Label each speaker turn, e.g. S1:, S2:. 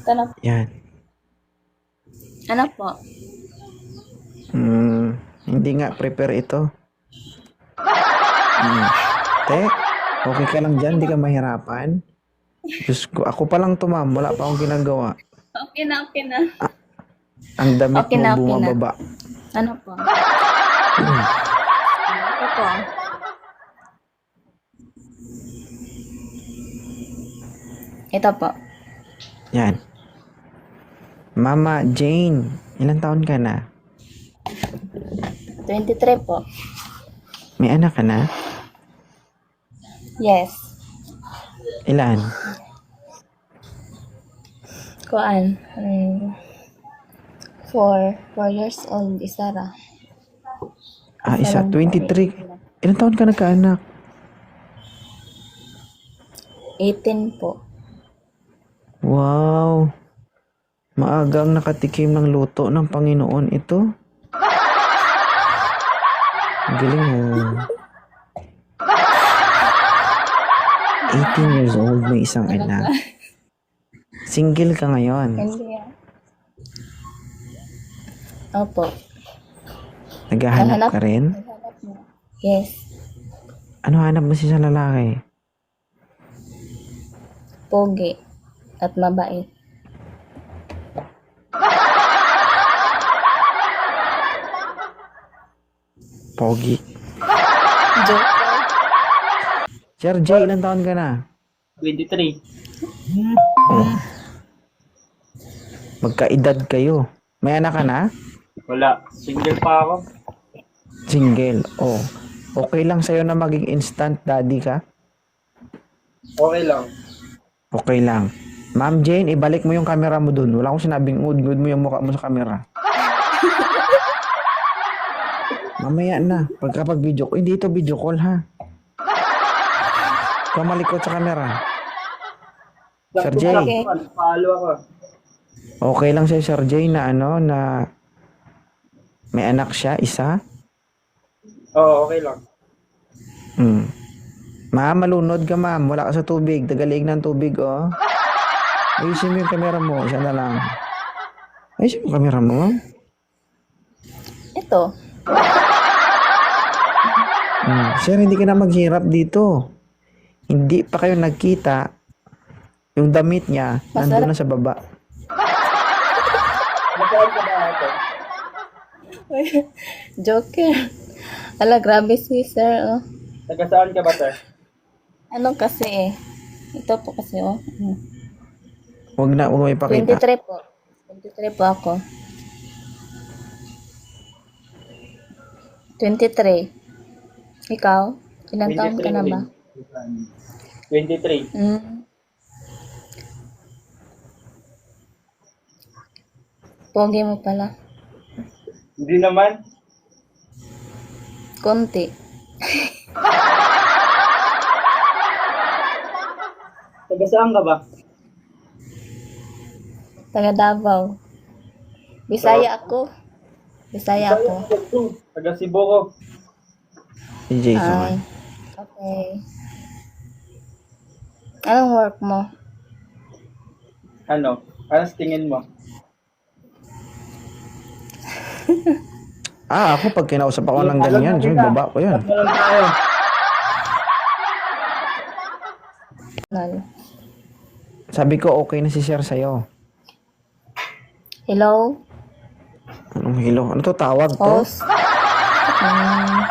S1: Ano,
S2: Yan.
S1: ano po?
S2: Hindi nga prepare ito. Te, okay ka lang dyan? Hindi ka mahirapan? Diyos ko, ako pa lang to, ma'am. Wala pa akong ginagawa.
S1: Okay na, okay na.
S2: Ang damit
S1: Okay
S2: mo
S1: na, okay na.
S2: bumababa.
S1: Ano po? Ito po. Ito po.
S2: Yan. Mama Jane, ilang taon ka na?
S1: 23 po.
S2: May anak ka na?
S1: Yes.
S2: Ilan?
S1: Kuan. 4 years old, isa ra.
S2: Isa, 23. Ilang taon ka nagkaanak?
S1: 18 po.
S2: Wow. Maagang nakatikim ng luto ng Panginoon ito. Ang galing mo. 18 years old, may isang anak. Single ka ngayon.
S1: Hindi ah. Opo.
S2: Naghahanap ka rin?
S1: Naghanap mo. Yes.
S2: Ano hanap mo siya sa lalaki?
S1: Pogi. At mabait.
S2: Pogi.
S1: Joke.
S2: Sir J, ilang taon ka na?
S3: 23.
S2: Magkaedad kayo. May anak ka na?
S3: Wala. Single pa ako.
S2: Single. Oh. Okay lang sa'yo na maging instant daddy ka?
S3: Okay lang.
S2: Okay lang. Ma'am Jane, ibalik mo yung camera mo dun. Wala akong sinabing ud-ud mo yung mukha mo sa camera. Mamaya na. Pagkapag video call. Hindi ito video call ha. Ikaw malikot sa camera. Sir J.
S1: Okay.
S3: Follow ako.
S2: Okay lang sa'yo Sir J na na may anak siya, isa?
S3: Oo, okay lang.
S2: Ma'am, malunod ka ma'am. Wala ka sa tubig. Tagalig ng tubig, oh. Ayusin mo yung camera mo. Isa na lang. Ayusin mo yung camera mo.
S1: Ito.
S2: Sir, hindi ka na maghirap dito. Hindi pa kayo nagkita. Yung damit niya, nandun na sa baba.
S3: Nasaan ka ba ito?
S1: Joker. Ala, grabe si sir. Oh.
S3: Taga saan ka ba, sir?
S1: Ano kasi eh. Ito po kasi oh.
S2: Huwag mo ipakita.
S1: 23 po. 23 po ako. 23. Ikaw? Ilang taon ka na ba?
S3: 23.
S1: Pogi mo pala.
S3: Hindi naman.
S1: Konti.
S3: Taga saan ka ba?
S1: Taga Davao. Bisaya ako. Bisaya ako.
S3: Taga Cebu ko.
S2: Si Jason.
S1: Okay. Anong work mo?
S3: Ano? Ano sa tingin mo?
S2: Ako pag kinausap ako ng ganyan, so, baba ko yan.
S3: Ano lang tayo?
S1: Nal.
S2: Sabi ko, okay na si Sir sa'yo.
S1: Hello?
S2: Anong hello? Ano to? Tawag to?
S1: Host?